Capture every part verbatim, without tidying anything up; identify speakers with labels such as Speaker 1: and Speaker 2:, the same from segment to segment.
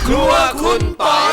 Speaker 1: ครัวคุณปอย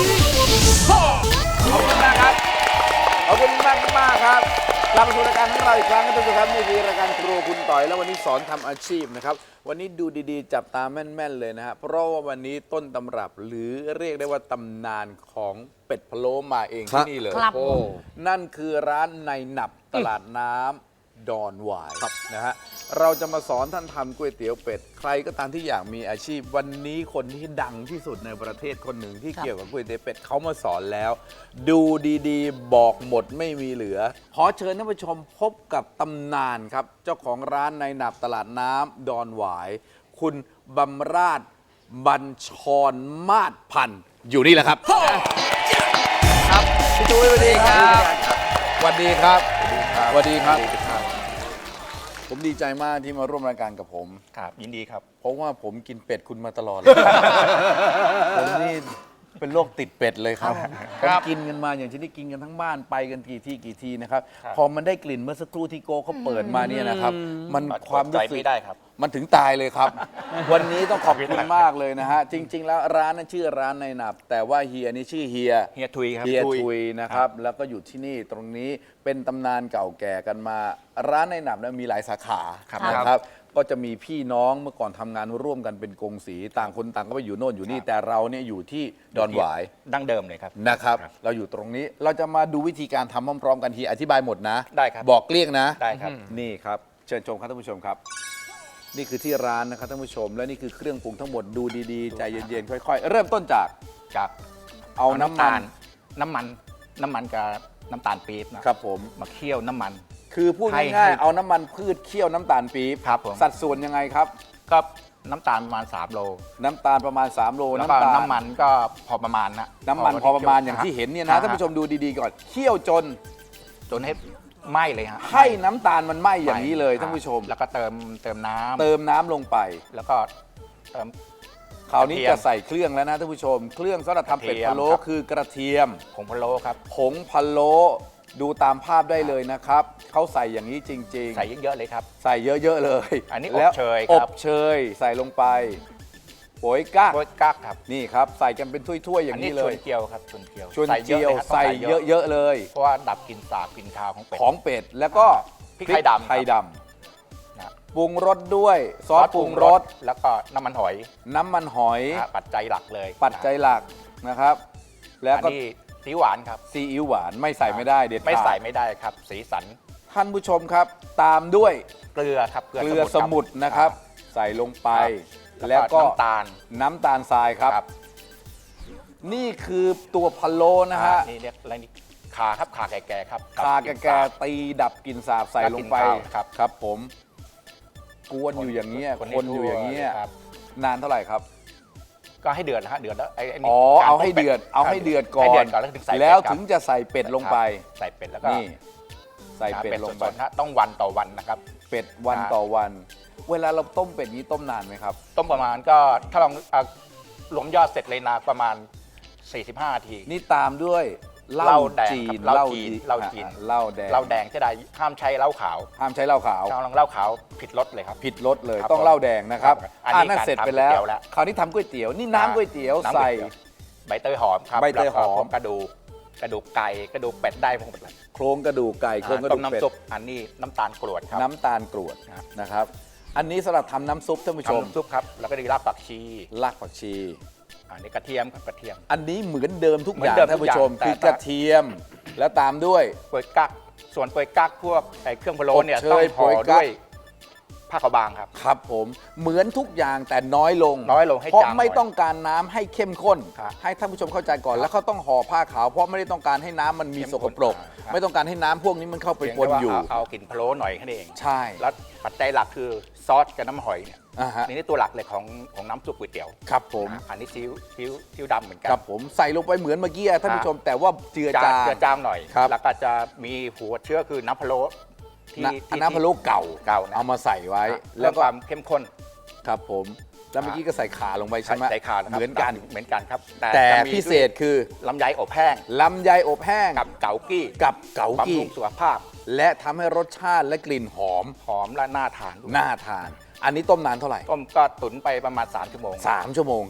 Speaker 1: ขอบคุณมากครับขอบคุณมากมากครับกลับมาสู่รายการของเราอีกครั้งนะทุกท่านครับนี่คือรายการครัวคุณต่อยแล้ววันนี้สอนทำอาชีพนะครับวันนี้ดูดีๆจับตาแม่นๆเลยนะฮะเพราะว่าวันนี้ต้นตำรับหรือเรียกได้ว่าตำนานของเป็ดพะโล้มาเองที่นี่เลยโอ้นั่นคือร้านในหนับตลาดน้ำดอนหวายนะฮะเราจะมาสอนท่านทำก๋วยเตี๋ยวเป็ดใครก็ตามที่อยากมีอาชีพวันนี้คนที่ดังที่สุดในประเทศคนหนึ่งที่เกี่ยวกับก๋วยเตี๋ยวเป็ดเขามาสอนแล้วดูดีๆบอกหมดไม่มีเหลือขอเชิญท่านผู้ชมพบกับตำนานครับเจ้าของร้านในหนับตลาดน้ำดอนหวายคุณบำราศบัญชรมาศพันธ์อยู่นี่แหละครับครับพี่ตุ้ยสวัสดีครับสวัสดีครับสวัสดีครับผมดีใจมากที่มาร่วมรายการกับผม
Speaker 2: ครับยินดีครับ
Speaker 1: เพราะว่าผมกินเป็ดคุณมาตลอดเลย ผมนี่เป็นโรคติดเป็ดเลยครับผมกินกันมาอย่างที่ได้กินกันทั้งบ้านไปกันกี่ที่กี่ทีนะครับพอมันได้กลิ่นเมื่อสักครู่ที่โกเขาเปิดมาเนี่ยนะครับมันความรู้สึกมันถึงตายเลยครับ วันนี้ต้องขอบคุณมากเลยนะฮะจริงๆแล้วร้านนั้นชื่อร้านในหนับแต่ว่าเฮียนี่ชื่อเฮีย
Speaker 2: เฮียทุยครับ
Speaker 1: เฮียทุยนะครับแล้วก็อยู่ที่นี่ตรงนี้เป็นตำนานเก่าแก่กันมาร้านในหนับเนี่ยมีหลายสาขานะครับก็จะมีพี่น้องเมื่อก่อนทำงานร่วมกันเป็นกงสีต่างคนต่างก็ไปอยู่โน่นอยู่นี่แต่เราเนี่ยอยู่ที่ดอนหวาย
Speaker 2: ดั้งเดิมเลยครับ
Speaker 1: นะครับเราอยู่ตรงนี้เราจะมาดูวิธีการทำพร้อมๆกันทีอธิบายหมดนะ
Speaker 2: ได้ครับ
Speaker 1: บอกเกลี้ยงนะ
Speaker 2: ได้ครับ
Speaker 1: นี่ครับเชิญชมครับท่านผู้ชมครับนี่คือที่ร้านนะครับท่านผู้ชมและนี่คือเครื่องปรุงทั้งหมดดูดีๆใจเย็นๆค่อยๆเริ่มต้นจาก
Speaker 2: จาก
Speaker 1: เอาน้ำมัน
Speaker 2: น้ำมันน้ำมันกับน้ำตาลปี๊บ
Speaker 1: นะครับผม
Speaker 2: มาเคี่ยวน้ำมัน
Speaker 1: คือพูดง่ายๆเอาน้ำมันพืชเคี่ยวน้ำตาลปี๊บ
Speaker 2: ครับผม
Speaker 1: สัดส่วนยังไงครับ
Speaker 2: ก็น้ำตาลประมาณสามโล
Speaker 1: น้ำตาลประมาณสามโล
Speaker 2: แล้วก็น้ำมันก็พอประมาณนะ
Speaker 1: น้ำมันพอประมาณอย่างที่เห็นเนี่ยนะท่านผู้ชมดูดีๆก่อนเคี่ยวจน
Speaker 2: จนให้ไหม้เลยฮะ
Speaker 1: ให้น้ำตาลมันไหม้อย่างนี้เลยท่านผู้ชม
Speaker 2: แล้วก็เติมเติมน้ำ
Speaker 1: เติมน้ำลงไป
Speaker 2: แล้วก็เติม
Speaker 1: คราวนี้จะใส่เครื่องแล้วนะท่านผู้ชมเครื่องสำหรับทำเป็ดพะโล้คือกระเทียม
Speaker 2: ผงพะโล้ครับ
Speaker 1: ผงพะโล้ดูตามภาพได้เลยนะครับเขาใส่อย่างนี้จริงๆ
Speaker 2: ใส่เยอะๆเลยครับ
Speaker 1: ใส่เยอะๆเลย
Speaker 2: อันนี้อบเชย
Speaker 1: ครับอบเชยใส่ลงไปโป๋ยกั๊ก
Speaker 2: โป๋ยกั๊กครับ
Speaker 1: นี่ครับใส่กันเป็นถ้วยๆอย่างนี้เลย
Speaker 2: ชวนเจียวครับชวนเจียว
Speaker 1: ชวนเจียวใส่เยอะๆเลย
Speaker 2: เพราะว่าดับกลิ่นสาบกลิ่นคาวของเป็ด
Speaker 1: ของเป็ดแล้วก็
Speaker 2: พริกไทยดำ
Speaker 1: ไทยดำปรุงรสด้วยซอสปรุงรส
Speaker 2: แล้วก็น้ำมันหอย
Speaker 1: น้ำมันหอย
Speaker 2: ปัจจัยหลักเลย
Speaker 1: ปัจจัยหลักนะครับแล้วก็
Speaker 2: ซีอิ๊วหวานครับ
Speaker 1: ซีอิ๊วหวานไม่ใส่ไม่ได้เด็ดขาด
Speaker 2: ไม่ใส่ไม่ได้ครับสีสัน
Speaker 1: ท่านผู้ชมครับตามด้วย
Speaker 2: เกลือครับ
Speaker 1: เกลือสมุนนะครับใส่ลงไปแล้วก็
Speaker 2: น้ำตาล
Speaker 1: น้ำตาลทรายครับนี่คือตัวพะโล้นะฮะ
Speaker 2: นี่เรียกอะไรนี่ขาครับขาแก่ๆครับ
Speaker 1: ขาแก่ๆตีดับกลิ่นสาบใส่ลงไป
Speaker 2: ครับ
Speaker 1: ครับผมกวนอยู่อย่างนี้คนอยู่อย่างนี้นานเท่าไหร่ครับ
Speaker 2: ก็ให้เดือดนะฮะเดือดแล้วไอ้
Speaker 1: อ๋อเอาให้เดือดเอาให้เดือดก่อนแล้วถึงจะใส่เป็ดลงไป
Speaker 2: ใส่เป็ดแล้วก็
Speaker 1: นี่ใส่เป็ดลงไป
Speaker 2: ต้องวันต่อวันนะครับ
Speaker 1: เป็ดวันต่อวันเวลาเราต้มเป็ดนี้ต้มนานไหมครับ
Speaker 2: ต้มประมาณก็ถ้าลองรวมยอดเสร็จเลยนะประมาณสี่สิบห้านาที
Speaker 1: นี่ตามด้วยเหล้าจีน
Speaker 2: เหล้าจีนเหล้าจีน
Speaker 1: เหล้าแดง
Speaker 2: เหล้าแดงจะได้ห้ามใช้เหล้าขาว
Speaker 1: ห้ามใช้เหล้าขาว
Speaker 2: ถ้าลองเหล้าขาวผิดรสเลยครับ
Speaker 1: ผิดรสเลยต้องเหล้าแดงนะครับอันนี้เสร็จไปแล้วคราวนี้ทำก๋วยเตี๋ยวนี่น้ำก๋วยเตี๋ยวใส่
Speaker 2: ใบเตยหอมครับ
Speaker 1: ใบเตยหอม
Speaker 2: กระดูกกระดูกไก่กระดูกเป็ดได้หมดเลย
Speaker 1: โครงกระดูกไก่โครงกระดูกเป็ด
Speaker 2: อันนี้น้ำตาลกรวดครับ
Speaker 1: น้ำตาลกรวดนะครับอันนี้สำหรับทำน้ำซุปท่านผู้ชม
Speaker 2: น้ำซุปครับแล้วก็ดีรากผักชี
Speaker 1: รากผักชี
Speaker 2: อันนี้กระเทียมครับกระเทียม
Speaker 1: อันนี้เหมือนเดิมทุกอย่างท่านผู้ชมคือกระเทียมแล้วตามด้วย
Speaker 2: โปยกั๊กส่วนโปยกั๊กพวกไอ้เครื่องพะโล้เนี่ยต้องห่อด้วยผ้าขาวบางครับ
Speaker 1: ครับผมเหมือนทุกอย่างแต่น้อยลง
Speaker 2: น้อยลงให้
Speaker 1: เพราะไม่ต้องการน้ำให้เข้มข้นให้ท่านผู้ชมเข้าใจก่อนแล้วเขาต้องห่อผ้าขาวเพราะไม่ได้ต้องการให้น้ำมันมีสกปรกไม่ต้องการให้น้ำพวกนี้มันเข้าไปปนอยู่
Speaker 2: เอากลิ่นพะโล้หน่อยแค่นั้นเอง
Speaker 1: ใช่
Speaker 2: แล้วปัจจัยหลักคือซอสกับน้ำหอยเนี่ยนี่ตัวหลักเลยของของน้ำซุปก๋วยเตี๋ยว
Speaker 1: ครับผม
Speaker 2: อันนี้ซีอิ๊วซีอิ๊วดำเหมือนกัน
Speaker 1: ครับผมใส่ลงไปเหมือนเมื่อกี้ท่านผู้ชมแต่ว่าเจือจาง
Speaker 2: เจือจางหน่อยแล้วก็จะมีหัวเชื้อคือน้ำพะโล้
Speaker 1: ที่น้ำพะโล้เก่า
Speaker 2: เก่า
Speaker 1: เอามาใส่ไว้
Speaker 2: แล้วความเข้มข้น
Speaker 1: ครับผมแล้วเมื่อกี้ก็ใส่ขาลงไปใช่ไหม
Speaker 2: ใส่ขา
Speaker 1: เหมือนกัน
Speaker 2: เหมือนกันครับ
Speaker 1: แต่พิเศษคือ
Speaker 2: ลำไยอบแห้ง
Speaker 1: ลำไยอบแห้ง
Speaker 2: กับเกากี้
Speaker 1: กับเกากี้
Speaker 2: บำรุงสุขภาพ
Speaker 1: และทำให้รสชาติและกลิ่นหอม
Speaker 2: หอมและน่าทาน
Speaker 1: น่าทานอันนี้ต้มนานเท่าไหร่
Speaker 2: ต้มก็ตุ๋นไปประมาณสามชั่วโมง
Speaker 1: สามชั่วโมงครับ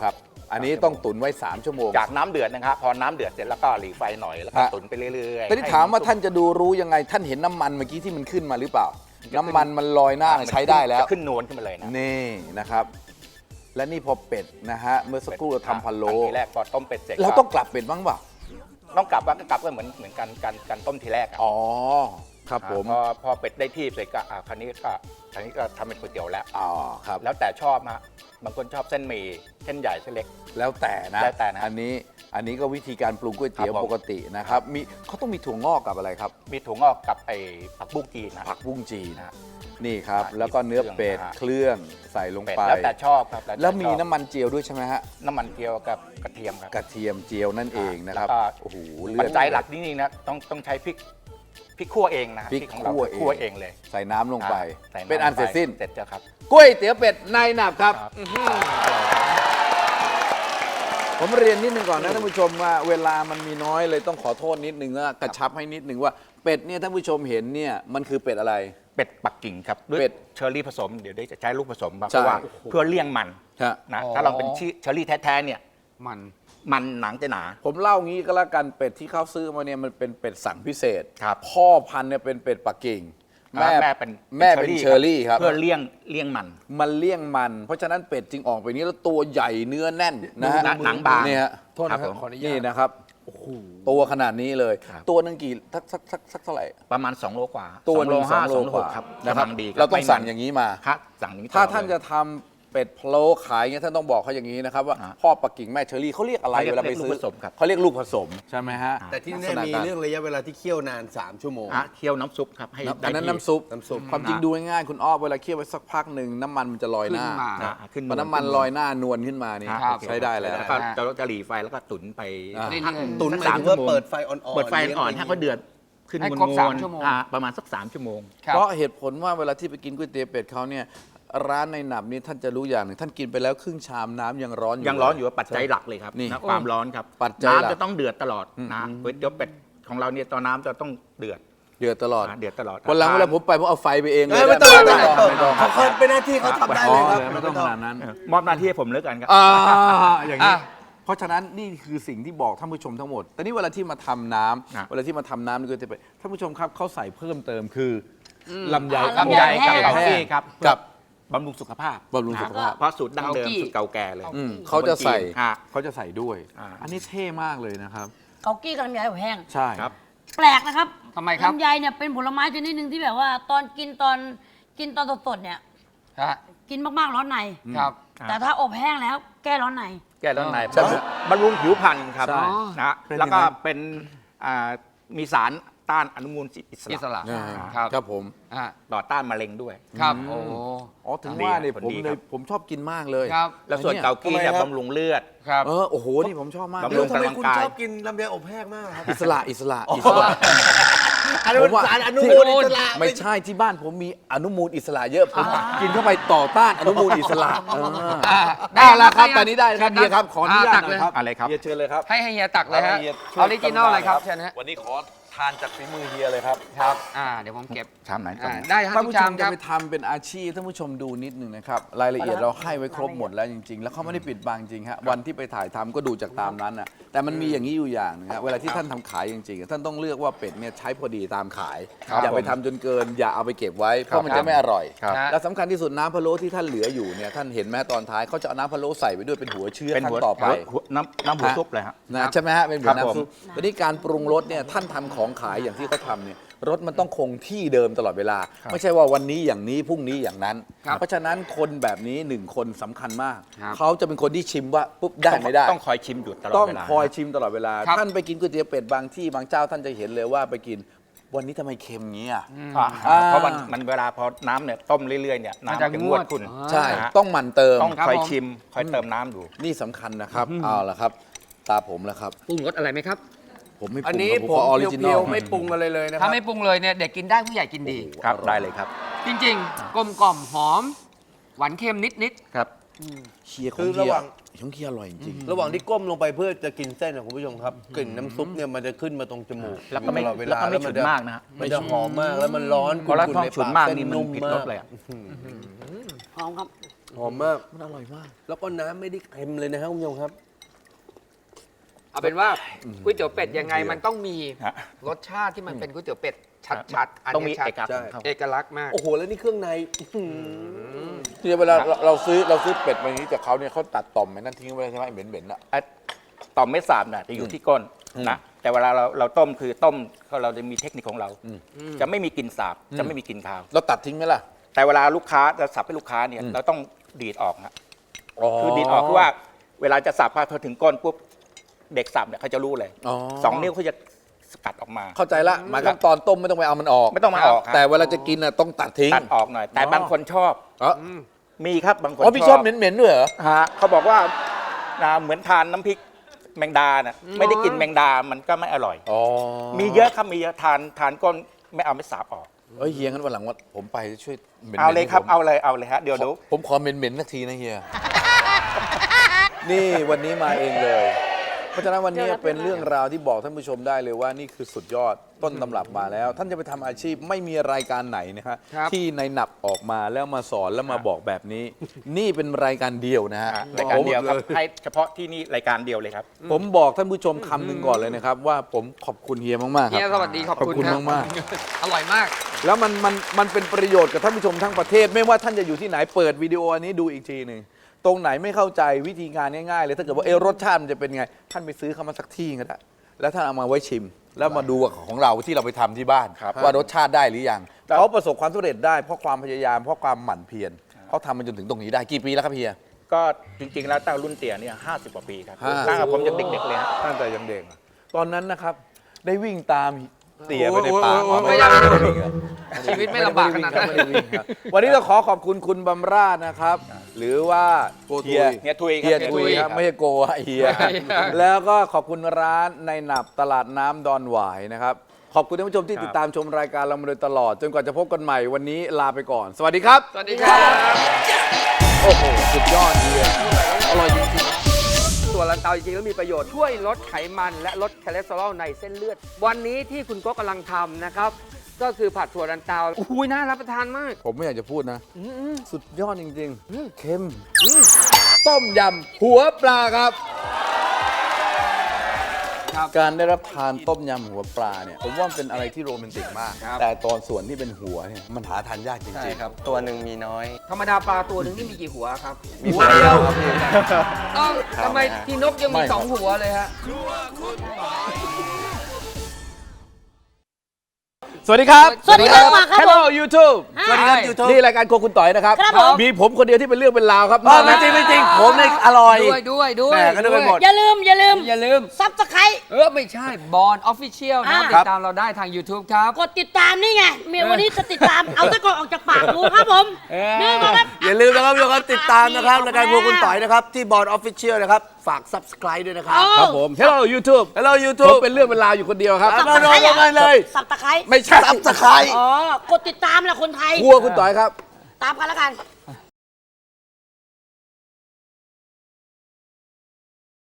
Speaker 1: อันนี้ต้องตุ๋นไว้สามชั่วโมง
Speaker 2: จากน้ำเดือดนะครับพอน้ำเดือดเสร็จแล้วก็หลีไฟหน่อยแล้วก็
Speaker 1: ฮะ
Speaker 2: ตุ๋นไปเรื่อยๆ
Speaker 1: แต่ที่ถามว่าท่านจะดูรู้ยังไงท่านเห็นน้ำมันเมื่อกี้ที่มันขึ้นมาหรือเปล่า น้ำมันมันลอยหน้า
Speaker 2: มัน
Speaker 1: ใช้ได้แล้ว
Speaker 2: จะขึ้นนวลขึ้นมาเลยนะ
Speaker 1: นี่นะครับ และนี่พอเป็ดนะฮะเมื่อสักครู่เราทำพะโล้
Speaker 2: ทีแรกพอต้มเป็ดเสร็จ
Speaker 1: เราต้องกลับเป็ดบ้างเปล่า
Speaker 2: ต้องกลับว่าก็กลับก็เหมือนเหมือนกันการการต้มทีแรกอะ
Speaker 1: อ๋อครับผม
Speaker 2: พอพอเป็ดได้ที่เสร็จก็อ่ะคราวนี้ก็คราวนี้ก็ทำเป็นก๋วยเตี๋ยวแล้ว
Speaker 1: อ๋อครับ
Speaker 2: แล้วแต่ชอบนะบางคนชอบเส้นหมี่เส้นใหญ่เส้นเล็ก
Speaker 1: แล้วแต่นะ
Speaker 2: แล้วแต่นะ
Speaker 1: อันนี้อันนี้ก็วิธีการปรุงก๋วยเตี๋ยว
Speaker 2: ครับผม
Speaker 1: ปกตินะครับมีเขาต้องมีถั่วงอกกับอะไรครับ
Speaker 2: มีถั่วงอกกับไอ้ผักบุ้งจีนนะ
Speaker 1: ผักบุ้งจีน
Speaker 2: นะ
Speaker 1: นี่ครับ
Speaker 2: อ่า
Speaker 1: แล้วก็เนื้อเป็ด
Speaker 2: เครื่อง
Speaker 1: เครื่องใส่ลง
Speaker 2: เป็ด
Speaker 1: ไป
Speaker 2: แล้วแต่ชอบครับต่
Speaker 1: แล้วมี
Speaker 2: ชอบ
Speaker 1: น้ำมันเจียวด้วยใช่ไหมฮะ
Speaker 2: น้ำมันเจียวกับกระเทียมครับ
Speaker 1: กระเทียมเจียวนั่นเองนะครับ
Speaker 2: แล้วก็
Speaker 1: โอ้โห
Speaker 2: ปัจจัยหลักนี่นี่นะต้องต้องใช้พริกพริกคั่วเองนะ
Speaker 1: พริก
Speaker 2: ของเรา
Speaker 1: คั่วเอง
Speaker 2: คั่วเองเลย
Speaker 1: ใส่น้ำลงไป
Speaker 2: อ่าใส่ำ
Speaker 1: เป็นอันเสร็จสิ้น
Speaker 2: เสร็จแล้วครับ
Speaker 1: ก๋วยเตี๋ยวเป็ดในหนับครับ
Speaker 2: ครับ
Speaker 1: ผมเรียนนิดนึงก่อนนะท่านผู้ชมว่าเวลามันมีน้อยเลยต้องขอโทษนิดนึงนะกระชับให้นิดนึงว่าเป็ดเนี่ยท่านผู้ชมเห็นเนี่ยมันคือเป็ดอะไร
Speaker 2: เป็ดปักกิ่งครับด้วย
Speaker 1: เป็ด
Speaker 2: เชอร์รี่ผสมเดี๋ยวได้จะใช้ลูกผสมมาเพ
Speaker 1: ใช่
Speaker 2: ราะว่าเพื่อเลี่ยงมัน
Speaker 1: ฮะ
Speaker 2: นะ
Speaker 3: อ๋อ
Speaker 2: ถ้าเราเป็นชื่อเชอร์รี่แท้ๆเนี่ย
Speaker 3: มัน
Speaker 2: มันหนังจะหนา
Speaker 1: ผมเล่างี้ก็แล้วกันเป็ดที่เขาซื้อมาเนี่ยมันเป็นเป็ดสั่งพิเศษ
Speaker 2: ครับ
Speaker 1: พ่อพันธุ์เนี่ยเป็นเป็ดปักกิ่ง
Speaker 2: แม่แม่เป็น
Speaker 1: แม่เป็นเชอร์รี่ครับ
Speaker 2: เพื่อเลี่ยงเลี่ยงมัน
Speaker 1: มันเลี่ยงมัน เพราะฉะนั้นเป็ดจึงออกไปนี้แล้วตัวใหญ่เนื้อแน่นนะฮะ
Speaker 2: หนังบาง
Speaker 1: เนี่ยฮะ
Speaker 3: โทษนะค
Speaker 2: ครั
Speaker 3: รับบ
Speaker 2: ผม
Speaker 3: ขออนุญา
Speaker 1: นี่
Speaker 3: ต
Speaker 1: นะครับตัวขนาดนี้เลย
Speaker 2: ครับ
Speaker 1: ตัวหนึงกี่สักสักสักสักเท่าไหร่
Speaker 2: ประมาณสองโลกว่า
Speaker 1: ตัวห
Speaker 2: ส
Speaker 1: นึ่
Speaker 2: อง
Speaker 1: ง
Speaker 2: ห้า
Speaker 1: สองโล
Speaker 2: สองโล
Speaker 1: ก
Speaker 2: ห
Speaker 1: ว่าก
Speaker 2: ครับ
Speaker 1: นะครับ
Speaker 2: กำลังดีคบ
Speaker 1: เราต้อง
Speaker 2: ไม่
Speaker 1: สั่ง
Speaker 2: มัน
Speaker 1: อย่างนี้มา
Speaker 2: ครับสั่งอย่างนี้
Speaker 1: ถ้า
Speaker 2: ตลอด
Speaker 1: ท่าน
Speaker 2: เลย
Speaker 1: จะทำเป็ดพะโล้ขายเงี้ยท่านต้องบอกเขาอย่างนี้นะครับว่า
Speaker 2: ฮะ
Speaker 1: พ่อปักกิ่งแม่เชอรี่เขาเรียกอะไร
Speaker 2: เขาเรียก
Speaker 1: เวลาไปซื้อ
Speaker 2: ลูกผสมครับ
Speaker 1: เขาเรียกลูกผสมใช่ไหมฮะ
Speaker 3: แต่ที่
Speaker 1: ลั
Speaker 3: นี่
Speaker 1: กษณะ
Speaker 3: มี
Speaker 1: การ
Speaker 3: เรื่องระยะเวลาที่เคี่ยวนาน สาม ชั่วโมง
Speaker 2: อ่ะเคี่ยวน้ำซุปครับให้
Speaker 1: น้ำ
Speaker 2: ได้
Speaker 1: อันนั้น
Speaker 2: ที่
Speaker 1: น้ำซุป
Speaker 3: น้ำซุป
Speaker 1: ความจริงดูง่ายๆคุณอ้อเวลาเคี่ยวไว้สักพักหนึ่งน้ำมันมันจะลอยหน้า
Speaker 3: ขึ้นมา
Speaker 2: อ่ะขึ้น
Speaker 1: พอน้ำมันลอยหน้านวลขึ้นมานี่
Speaker 2: ครับ
Speaker 1: ใช้ได้แล้ว
Speaker 2: แล้วก็จะจะหลีไฟแล้วก็ตุ๋นไป
Speaker 1: อ่า
Speaker 3: นี่
Speaker 2: สัก
Speaker 3: ตุ๋นห
Speaker 2: สั
Speaker 3: มาก ย
Speaker 2: ส
Speaker 3: ถึงว่า
Speaker 2: ชั่โม
Speaker 3: เปิดไฟอ่อนๆ
Speaker 2: เปิดไฟอ่อน
Speaker 3: เลี้ยง
Speaker 2: ให้เขาเดือดขึ้น
Speaker 3: ให้
Speaker 2: ม
Speaker 3: ครบ
Speaker 2: วล
Speaker 3: สาม
Speaker 2: ๆ
Speaker 3: ชั่วโมง
Speaker 2: อ่ะประมาณสักสามชั่วโมง
Speaker 3: ครับ
Speaker 1: เพราะเหตุผลว่าเวลาที่ไปกินก๋วยเตี๋ยวเป็ดเขาเนี่ยร้านในหนับนี้ท่านจะรู้อย่างหนึ่งท่านกินไปแล้วครึ่งชามน้ำยังร้อนอยู่
Speaker 2: ยังร้อนอยู่ว่าปัจจัยหลักเลยครับ
Speaker 1: นี่
Speaker 2: นะความร้อนครับ
Speaker 1: ปัจจัยหลัก
Speaker 2: น้ำจะต้องเดือดตลอดนะก๋วยเตี๋ยวเป็ดของเราเนี่ยตอนน้ำจะต้องเดือด
Speaker 1: เดือดตลอด
Speaker 2: นะเดือดตลอด
Speaker 1: วันหลังเวลาผมไปผมเอาไฟไปเองเล
Speaker 3: เอ้
Speaker 1: ย
Speaker 3: ยไม่ต้อง
Speaker 1: ด้
Speaker 3: ไม่
Speaker 1: ห
Speaker 3: ต้อง
Speaker 1: ไม่ต้อง
Speaker 3: เขาเคยเป็นหน้าที่เขาทำได้
Speaker 1: อ๋
Speaker 3: เล
Speaker 1: อย
Speaker 3: ครับ
Speaker 1: ไม่ต้องขนาดนั้น
Speaker 2: เออมอบหน้าที่ให้ผมแล้วกันครับ
Speaker 1: อ่าอย่างนี้
Speaker 3: อ่ะ
Speaker 1: เพราะฉะนั้นนี่คือสิ่งที่บอกท่านผู้ชมทั้งหมด แต่นี่เวลาที่มาทำน้ำ
Speaker 2: นะ
Speaker 1: เวลาที่มาทำน้ำนี่ก็จะไปท่านผู้ชมครับเขาใส่เพิ่มเติมคืออลำไย
Speaker 4: อ่า
Speaker 2: ลำไยกับ
Speaker 4: แห้ง
Speaker 2: เกากี้ครับ
Speaker 1: กับ
Speaker 2: บำรุงสุขภาพ
Speaker 1: บำรุงสุขภาพ
Speaker 2: นะเพราะสูตรดั้งเดิม
Speaker 3: เกากี้
Speaker 2: สูตรเก่าแก่เลย
Speaker 1: อืมเขาจะใส่
Speaker 2: อ่ะ
Speaker 1: เขาจะใส่ด้วย
Speaker 2: อ่า
Speaker 1: อันนี้เท่มากเลยนะครับ
Speaker 4: เกากี้กับลำไยอบแห้ง
Speaker 1: ใช่
Speaker 2: ครับ
Speaker 4: แปลกนะครับ
Speaker 3: ทำไมครับ
Speaker 4: ลำไยเนี่ยเป็นผลไม้ชนิดหนึ่งที่แบบว่าตอนกินตอนกินตอนสดๆเนี่ย
Speaker 3: ฮะ
Speaker 4: กินมากๆร้อนใน
Speaker 3: ครับ
Speaker 4: แต่ถ้าอบแห้งแล้วแก้ร้อนใน
Speaker 2: แก้ร้อนใน
Speaker 1: ใช่ไหม
Speaker 2: บำรุงผิวพรรณครับ
Speaker 1: ใช่
Speaker 2: นะ
Speaker 1: เป็น
Speaker 2: แล้วก็
Speaker 1: อย่างนั้น
Speaker 2: เป็นอ่ามีสารต้านอนุมูลอิส
Speaker 3: อิส
Speaker 2: ระ
Speaker 3: ระ
Speaker 1: อ่า
Speaker 3: ครับ
Speaker 1: ครับผม
Speaker 3: อ่ะ
Speaker 2: ต่อต้านมะเร็งด้วย
Speaker 3: ครับโอ้
Speaker 1: อ๋อถึง
Speaker 2: ดี
Speaker 1: ว่าเนี่ย
Speaker 2: ผล
Speaker 1: ผม
Speaker 2: ดี
Speaker 1: เล
Speaker 2: ครั
Speaker 1: ย
Speaker 2: บ
Speaker 1: ผมชอบกินมากเลย
Speaker 3: ครับ
Speaker 2: แล้วส่วน
Speaker 1: ไอ้
Speaker 2: เกากี้เนี่ย
Speaker 3: ทำไมครับ
Speaker 2: บำรุงเลือด
Speaker 3: ครับ
Speaker 1: เออโอ้โหนี่ผมชอบมาก
Speaker 2: บำ
Speaker 1: เล
Speaker 2: รุ
Speaker 1: ย
Speaker 2: ง
Speaker 3: ทำไม
Speaker 2: กำลัง
Speaker 3: คุณ
Speaker 2: กาย
Speaker 3: ชอบกินลำไยอบแห้งมากครับ
Speaker 1: อิสระอิสระอิสระ
Speaker 3: อันนี้
Speaker 1: ผ
Speaker 3: มั
Speaker 1: ม
Speaker 3: น
Speaker 1: ว่า
Speaker 3: สารอนุมูลอิสระ
Speaker 1: ไม่ใช่ที่บ้านผมมีอนุมูลอิสระเยอะผมกินเข้าไปต่อต้านอนุมูลอิสระเออ
Speaker 3: อ่ะ
Speaker 1: ได้แล้วครับ
Speaker 3: ได้
Speaker 1: ตอนนี้ได้ครับ
Speaker 3: เชิญ
Speaker 1: เฮียครับขออนุญาต
Speaker 3: ตัก
Speaker 1: ห
Speaker 3: เล
Speaker 1: น่อย ยครับ
Speaker 2: อะไรครับ
Speaker 1: เฮียเชิญเลยครับ
Speaker 3: ให้ให้เฮียตักเลยฮะ
Speaker 1: ฮี
Speaker 3: ออริจินอลเลยครับเชิญฮะ
Speaker 1: วันนี้ขอทานจากฝีมือเฮียเลยครับ
Speaker 3: ครับอ่าเดี๋ยวผมเก็บ
Speaker 2: ชามไหนก่อ
Speaker 3: อ่าน ได้ครับ
Speaker 1: ท่าน
Speaker 3: ทุก
Speaker 1: ผู้ช
Speaker 3: ชาม มค
Speaker 1: จะ
Speaker 3: รับ
Speaker 1: ไปทำเป็นอาชีพท่านผู้ชมดูนิดหนึ่งนะครับรายละเอียดเราให้ไว้ครบหมดแล้วจริง ๆ แล้วเขาไม่ได้ปิดบังจริงฮะวันที่ไปถ่ายทำก็ดูจากตามนั้นน่ะแต่มันมีอย่างนี้อยู่อย่างหนึงฮะเวลาที่ท่านทำขายจริงๆท่านต้องเลือกว่าเป็ดเนี่ยใช้พอดีตามขาย
Speaker 3: ครับ
Speaker 1: อย่าไปทำจนเกิน อย่าเอาไปเก็บไว้เพราะมันจะไม่อร่อย
Speaker 2: ครับ
Speaker 1: และสำคัญที่สุดน้ำพะโล้ที่ท่านเหลืออยู่เนี่ยท่านเห็นไหมตอนท้ายเขาจะเอาน้ำพะโล้ใส่ไปด้วยเป็นหัวเชื้อ
Speaker 2: เป็น
Speaker 1: ขั้
Speaker 2: หัวน
Speaker 1: ต่อไป
Speaker 2: หัวน้ำน้ำหัวซุปเลยฮะ
Speaker 1: นะใช่ไหมฮะเป็นเหมือน
Speaker 2: ครับผม
Speaker 1: น้ำซุปทีนี้การปรุงรสเนี่ยท่านทำของขายอย่างที่เขาทำเนี่ยรสมันต้องคงที่เดิมตลอดเวลา ไม่ใช่ว่าวันนี้อย่างนี้พรุ่งนี้อย่างนั้น
Speaker 3: ครับ
Speaker 1: เพราะฉะนั้นคนแบบนี้หนึ่งคนสำคัญมาก
Speaker 3: ครับ
Speaker 1: เขาจะเป็นคนที่ชิมว่าปุ๊บได้ไม่ได้
Speaker 2: ต้องคอยชิมอยู่ตลอด
Speaker 1: ต้อง
Speaker 2: เวลา
Speaker 1: คอยชิมตลอดเวลา
Speaker 3: ครับ
Speaker 1: ท่านไปกินก๋วยเตี๋ยวเป็ดบางที่บางเจ้าท่านจะเห็นเลยว่าไปกินวันนี้ทำไมเค็มงี้อ่ะ
Speaker 2: อ่า
Speaker 1: อ่า
Speaker 2: เพราะมันมันเวลาพอน้ำเนี่ยต้มเรื่อยๆเนี่ย
Speaker 3: มัน
Speaker 2: น้ำ
Speaker 3: จะ
Speaker 2: จะ
Speaker 3: ง
Speaker 2: ง
Speaker 3: ว
Speaker 2: ว
Speaker 3: ด
Speaker 2: ดขุ่น
Speaker 3: อ่า
Speaker 1: ใช่
Speaker 2: นะฮะ
Speaker 1: ต้องหมั่นเติม
Speaker 2: ต้อง
Speaker 3: ครับ
Speaker 2: คอย
Speaker 3: ผม
Speaker 2: ชิมคอยเติมน้ำดู
Speaker 1: นี่สำคัญนะครับเอาละครับ ตาผมแล้วครับ
Speaker 3: ปรุงรสอะไรไหมครับ
Speaker 1: ผมไม่ป
Speaker 3: อัน
Speaker 1: รุง
Speaker 3: นี้
Speaker 1: ครับ
Speaker 3: ผม
Speaker 1: ขอออริจิน
Speaker 3: เพี
Speaker 1: อ
Speaker 3: ยว
Speaker 1: ล
Speaker 3: ๆไม่ปรุงอะไรเลยนะค
Speaker 5: ถ้า
Speaker 3: รับ
Speaker 5: ไม่ปรุงเลยเนี่ยเด็กกินได้ผู้ใหญ่กินดี
Speaker 2: ครับได้เลยครับ
Speaker 5: จริงๆ กลมกล่อมหอม หวานเค็มนิด
Speaker 2: ครับ
Speaker 1: เคียข
Speaker 5: คือ อง
Speaker 1: เคี
Speaker 5: ระ
Speaker 1: ย
Speaker 5: หว่าง
Speaker 1: ของเคียอร่อยจริง
Speaker 5: ระหว่างที่ก้มลงไปเพื่อจะกินเส้นนะคุณผู้ชมครับกลิ่นน้ำซุปเนี่ยมันจะขึ้นมาตรงจมูก
Speaker 2: แล้วก็ไม่
Speaker 5: ตลอดเว
Speaker 2: แล้ว
Speaker 5: ลา
Speaker 2: ก็ไม่
Speaker 5: แล้ว
Speaker 2: ฉุ
Speaker 5: มัน
Speaker 2: น
Speaker 5: จะ
Speaker 2: มากนะฮะ
Speaker 5: มันจะหอมมากแล้วมันร้อน
Speaker 2: พอแล้ว
Speaker 5: ขุ่
Speaker 2: ท้อง
Speaker 5: ๆใน
Speaker 2: ฉุน
Speaker 5: ปาก
Speaker 2: มาก
Speaker 5: เส้น
Speaker 2: นี่มัน
Speaker 5: นุ่ม
Speaker 2: ผิด
Speaker 5: มาร
Speaker 2: ส
Speaker 5: ก
Speaker 2: เลยอ่ะ
Speaker 4: หอมครับ
Speaker 5: หอมมาก
Speaker 1: ๆมันอร่อยมาก
Speaker 5: แล้วก็น้ำไม่ได้เค็มเลยนะครับคุณผู้ชมครับ
Speaker 3: เอาเป็นว่าก๋วยเตี๋ยวเป็ดยังไงมันต้องมี
Speaker 2: ฮะ
Speaker 3: รสชาติที่มันเป็นก๋วยเตี๋ยวเป็ดชัดๆ อัน
Speaker 2: ต้องมี
Speaker 3: นี้ชัด
Speaker 2: เอกลักษณ์
Speaker 5: ใช่
Speaker 2: ของเขา
Speaker 3: เอกลักษณ์มาก
Speaker 5: โอ้โหแล้วนี่เครื่องในอื้อหือ
Speaker 1: ที่เวลาเราเราซื้อเราซื้อเป็ดมาอย่างนี้จากเขาเนี่ยเขาตัดต่อมไอ้นั่นทิ้งไว้ใช่ไหมไอ้เหม็นๆอ่ะ
Speaker 2: อ่ะต่อมเม็ดสาบน่ะจะอยู่ที่ก้นนะแต่เวลาเราเราต้มคือต้มเราจะมีเทคนิคของเรา จะไม่มีกลิ่นสาบจะไม่มีกลิ่นคาว
Speaker 1: เราตัดทิ้งไหมล่ะ
Speaker 2: แต่เวลาลูกค้าจะสับให้ลูกค้าเนี่ยเราต้องดีดออกนะคือดีดออกคือว่า เวลาจะสับพอถึงก้นปุ๊บเด็กสับเนี่ยเขาจะรู้เลย
Speaker 1: อ๋อ
Speaker 2: สองนิ้วเขาจะสกัดออกมา
Speaker 1: เข้าใจละหมายความตอนต้มไม่ต้องไปเอามันออก
Speaker 2: ไม่ต้องมาออกครับ
Speaker 1: แต่เวลาจะกินน่ะต้องตัดทิ้ง
Speaker 2: ตัดออกหน่อย แต่บางคนชอบ
Speaker 1: อ๋อ
Speaker 2: มีครับบางคน
Speaker 1: อ๋อพี่ชอบเหม็นๆด้วยเหรอ
Speaker 2: ฮะเขาบอกว่านะเหมือนทานน้ำพริกแมงดาน่ะไม่ได้กินแมงดามันก็ไม่อร่อย
Speaker 1: อ๋อ
Speaker 2: มีเยอะครับมีเยอะทานทานก้นไม่เอาไม่สาบออก
Speaker 1: เอ้ยเฮียงั้นวันหลังว่าผมไปช่วยหม็นๆ
Speaker 2: เอาเลยครับ
Speaker 1: ให้ผม
Speaker 2: เอาเลยเอาเลยฮะเดี๋ยว
Speaker 1: ขอ
Speaker 2: ดู
Speaker 1: ผมขอเหม็นๆสักทีนะเฮีย นี่วันนี้มาเองเลย เพราะฉะนั้นวันนี้เป็นเรื่องราวที่บอกท่านผู้ชมได้เลยว่านี่คือสุดยอดต้นตำรับมาแล้ว ท่านจะไปทำอาชีพไม่มีรายการไหนนะฮะ
Speaker 3: ครับ
Speaker 1: ที่ในหนับออกมาแล้วมาสอนแล้วมาบอกแบบนี้ นี่เป็นรายการเดียวนะฮะ
Speaker 2: รายการเดียวครับให้เฉพาะที่นี่รายการเดียวเลยครับ
Speaker 1: ผมบอกท่านผู้ชมคำหนึ่งก่อนเลยนะครับ ว่าผมขอบคุณเฮียมากๆครั
Speaker 3: เฮียสวัสดีขอบ
Speaker 1: ขอบ
Speaker 3: คุณ
Speaker 1: คุณ
Speaker 3: ครับ
Speaker 1: มาก
Speaker 3: อร่อยมาก
Speaker 1: ๆแล้วมันมันมันเป็นประโยชน์กับท่านผู้ชมทั้งประเทศ ไม่ว่าท่านจะอยู่ที่ไหนเปิดวิดีโออันนี้ดูอีกทีหนึ่งตรงไหนไม่เข้าใจวิธีการง่ายๆเลยถ้าเกิดว่าเออรสชาติมันจะเป็นไง ท่านไปซื้อเข้ามาสักที่ก็ได้แล้วท่านเอามาไว้ชิม แล้วมาดูของเราที่เราไปทำที่บ้าน
Speaker 2: ครับ
Speaker 1: ว่ารสชาติได้หรือยังเขาประสบความสำเร็จได้เพราะความพยายามเพราะความหมั่นเพียรเขาทำมันจนถึงตรงนี้ได้กี่ปีแล้วครับเฮีย
Speaker 2: ก็จริงๆแล้วตั้งรุ่นเตี่ยเนี่ยห้าสิบกว่าปีครับ
Speaker 1: ห้าสิบ
Speaker 2: ตั้งแต่ผมยังเด็กๆเลยฮะ
Speaker 1: ตั้งแต่ยังเด็กอะตอนนั้นนะครับ ได้วิ่งตามเตี๋ยไปในป่า
Speaker 5: โอ้ยโอ้ยโอ้ย
Speaker 1: ไม่ได้ไม่ได้วิ่งเหรอ
Speaker 3: ชีวิตไม่ลำบากขนาดนั้น
Speaker 1: ไม่ได้วิ่งครับวันนี้ก็ขอขอบคุณคุณบำราศนะครับ หรือว่า
Speaker 5: โกทุย
Speaker 1: เฮีย
Speaker 2: เฮียทุยครับ
Speaker 1: เฮียทุยครับไม่ใช่โกะเฮียแล้วก็ขอบคุณร้านในหนับตลาดน้ำดอนหวายนะครับ ขอบคุณท่านผู้ชมที่ติดตามชมรายการเรามาโดยตลอด จนกว่าจะพบกันใหม่วันนี้ลาไปก่อน สวัสดีครับ
Speaker 3: สวัสดีครับ
Speaker 1: โอ้โหสุดยอดเฮียอร่อยจริงๆ
Speaker 3: ตัวลันเตาจริงๆแล้วมีประโยชน์ช่วยลดไขมันและลดคอเลสเตอรอลในเส้นเลือด วันนี้ที่คุณโก็กำลังทำนะครับ ก็คือผัดถั่วลันเตาโอ้โหน่ารับประทานมาก
Speaker 1: ผมไม่อยากจะพูดนะ สุดยอดจริงๆเค็มต้มยำหัวปลาครับ
Speaker 3: ครับ
Speaker 1: การได้รับทานต้มยำหัวปลาเนี่ย ผมว่ามันเป็นอะไรที่โรแมนติกมาก
Speaker 3: ครับ
Speaker 1: แต่ตอนส่วนที่เป็นหัวเนี่ยมันหาทานยากจ
Speaker 5: ใช่
Speaker 1: ริง
Speaker 5: ครับ ตัวหนึ่งมีน้อย
Speaker 3: ธรรมดาปลาตัวหนึ่งนี่มีกี่หัวครับ
Speaker 1: มีหัวเดียวครับพี่
Speaker 3: อ้าวทำไมที่นกยังมีสองหัวเลยฮะ
Speaker 1: สวัสดีครับ
Speaker 4: สวัสดีครับมาครับ
Speaker 1: Hello YouTube
Speaker 4: สวัสดีครับ
Speaker 5: YouTube
Speaker 1: นี่รายการโครัวคุณต่อยนะครับ
Speaker 4: ครับผม
Speaker 1: มีผมคนเดียวที่เป็นเรื่องเป็นราวครับ
Speaker 5: อ๋อไม่จริงไม่จริงผมเนี่ยอร่อย
Speaker 3: ด้วยด้วยด้วย
Speaker 5: แหม่ก็นึกไปหมด
Speaker 4: อย่าลืมอย่าลืม
Speaker 3: อย่าลืม
Speaker 4: ซับสไคร
Speaker 3: เออ ไม่ใช่บอลออฟฟิเชียลนะครับ
Speaker 4: อ่า
Speaker 3: ติดตามเราได้ทาง YouTube ครับ
Speaker 4: กดติดตามนี่ไงเมียวันนี้จะติดตาม เอาตะกอนออกจากปากกูครับผม
Speaker 3: เออ
Speaker 4: นี่มาครับ
Speaker 5: อย่าลืมนะครับทุกคนติดตามนะครับรายการพวกคุณต่อยนะครับที่บอร์ดออฟฟิเชียลนะครับฝาก Subscribe ด้วยนะครับ
Speaker 1: ครับผม Hello YouTube
Speaker 5: Hello
Speaker 1: ผม
Speaker 5: YouTube
Speaker 1: เป็นเรื่องเป็นราวอยู่คนเดียวครับ
Speaker 5: มาโดนกันเลย
Speaker 4: สับตะไคร้
Speaker 1: ไม่ใช่
Speaker 5: Subscribe
Speaker 4: อ๋อกดติดตามแหละคนไทย
Speaker 1: ครัวคุณต่อยครับ
Speaker 4: ตามกันแล้วกัน